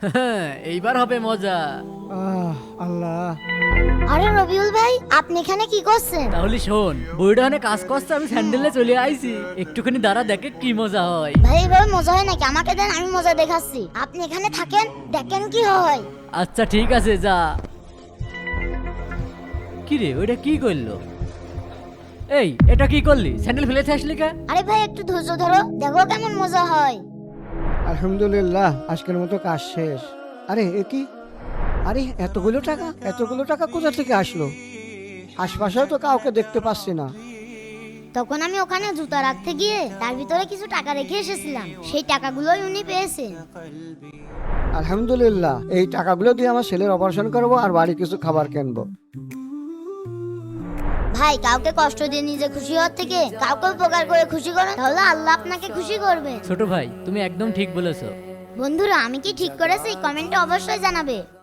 এইবার হবে মজা। আল্লাহ। আরে রবিউল ভাই, আপনি এখানে কি করছেন? তাহলে শোন, বইটা অনেক কাজ করছে, আমি স্যান্ডেলে চলে আইছি, একটুখানি দাঁড়া দেখে কি মজা হয়। ভাই এভাবে মজা হয় নাকি? আমাকে দেন, আমি মজা দেখাচ্ছি। আপনি এখানে থাকেন, দেখেন কি হয়। আচ্ছা ঠিক আছে, যা। কি রে, ওইটা কি করলো? এই, এটা কি করলি? স্যান্ডেল ফেলেছে আসলি কে? আরে ভাই একটু ধৈর্য ধরো, দেখো কেমন মজা হয়। আলহামদুলিল্লাহ, আজকের মতো কাজ শেষ। আরে এ কি? আরে এতগুলো টাকা কোথা থেকে আসলো? আশপাশেও তো কাউকে দেখতে পাচ্ছি না। তখন আমি ওখানে জুতা রাখতে গিয়ে তার ভিতরে কিছু টাকা রেখে এসেছিলাম, সেই টাকাগুলোই উনি পেয়েছেন। আলহামদুলিল্লাহ, এই টাকাগুলো দিয়ে আমার ছেলের অপারেশন করবো আর বাড়ি কিছু খাবার কিনবো। ভাই, কাউকে কষ্ট দিয়ে নিজে খুশি হওয়ার থেকে কাউকে উপকার করে খুশি করো, তাহলে আল্লাহ আপনাকে খুশি করবে। ছোট ভাই, তুমি একদম ঠিক বলেছো। বন্ধুরা, আমি কি ঠিক করেছি? কমেন্টে অবশ্যই জানাবে।